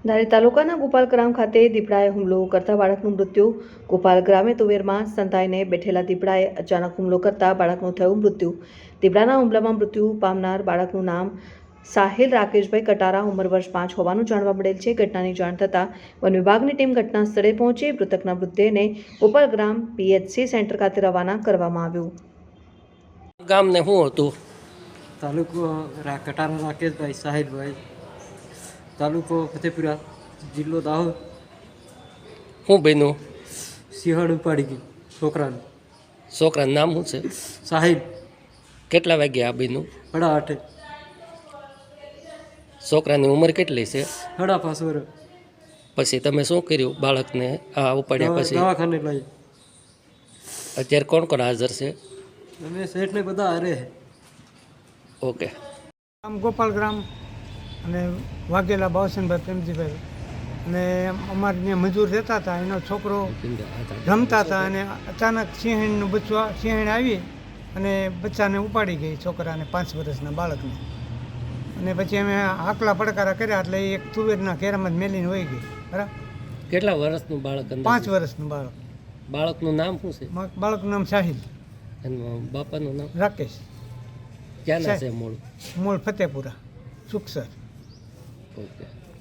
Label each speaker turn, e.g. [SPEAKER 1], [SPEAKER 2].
[SPEAKER 1] ધારી તાલુકાના ગોપાલ ગ્રામ ખાતે દીપડાએ હુમલો કરતા બાળકનું મૃત્યુ. ગોપાલ ગ્રામે તુવેરમાં સંતાઈને બેઠેલા દીપડાએ અચાનક હુમલો કરતા બાળકનું થયું મૃત્યુ. દીપડાના હુમલામાં મૃત્યુ પામનાર બાળકનું નામ સાહિલ રાકેશભાઈ કટારા, ઉંમર વર્ષ 5 હોવાનું જાણવા મળેલ છે. ઘટનાની જાણ થતાં વન વિભાગની ટીમ ઘટના સ્થળે પહોંચી મૃતકના મૃતદેહને ગોપાલ ગ્રામ પીએચસી સેન્ટર ખાતે રવાના કરવામાં આવ્યું.
[SPEAKER 2] ગામને શું હતું?
[SPEAKER 3] તાલુકો કટારા રાકેશભાઈ સાહિલભાઈ, તાલુકો ફતેપુરા, જિલ્લો દાહોદ.
[SPEAKER 2] શું બન્યું?
[SPEAKER 3] સિંહણ ઉપાડી ગયું છોકરાનું.
[SPEAKER 2] છોકરાનું નામ શું છે?
[SPEAKER 3] સાહિલ.
[SPEAKER 2] કેટલા વાગ્યા આ બન્યું?
[SPEAKER 3] 8:30.
[SPEAKER 2] છોકરાની ઉંમર કેટલી છે?
[SPEAKER 3] 5.5 વર્ષ.
[SPEAKER 2] પછી તમે શું કર્યું બાળકને આ ઉપાડ્યા પછી?
[SPEAKER 3] દવાખાને લઈ.
[SPEAKER 2] અત્યારે કોણ કોણ હાજર છે?
[SPEAKER 3] અમે શેઠને બધા હારે.
[SPEAKER 2] ઓકે.
[SPEAKER 4] આમ ગોપાલ ગ્રામ અને વાઘેલા બાવસનભાઈ પ્રેમજીભાઈ અને અમારે ત્યાં મજૂર રહેતા હતા. એનો છોકરો રમતા હતા અને અચાનક સિંહણનું સિંહણ આવી અને બચ્ચાને ઉપાડી ગઈ, છોકરાને 5 વર્ષના બાળકને. અને પછી અમે આકલા પડકારા કર્યા એટલે એક તુવેરના ઘેરામાં જ મેલીને વહી ગઈ. બરાબર.
[SPEAKER 2] કેટલા વર્ષનું બાળક?
[SPEAKER 4] 5 વર્ષનું બાળક.
[SPEAKER 2] બાળકનું નામ શું છે?
[SPEAKER 4] બાળકનું નામ સાહિલ.
[SPEAKER 2] અને બાપાનું નામ?
[SPEAKER 4] રાકેશ.
[SPEAKER 2] ક્યાંના છે મૂળ?
[SPEAKER 4] મૂળ ફતેપુરા, સુખસર.
[SPEAKER 2] ઓકે.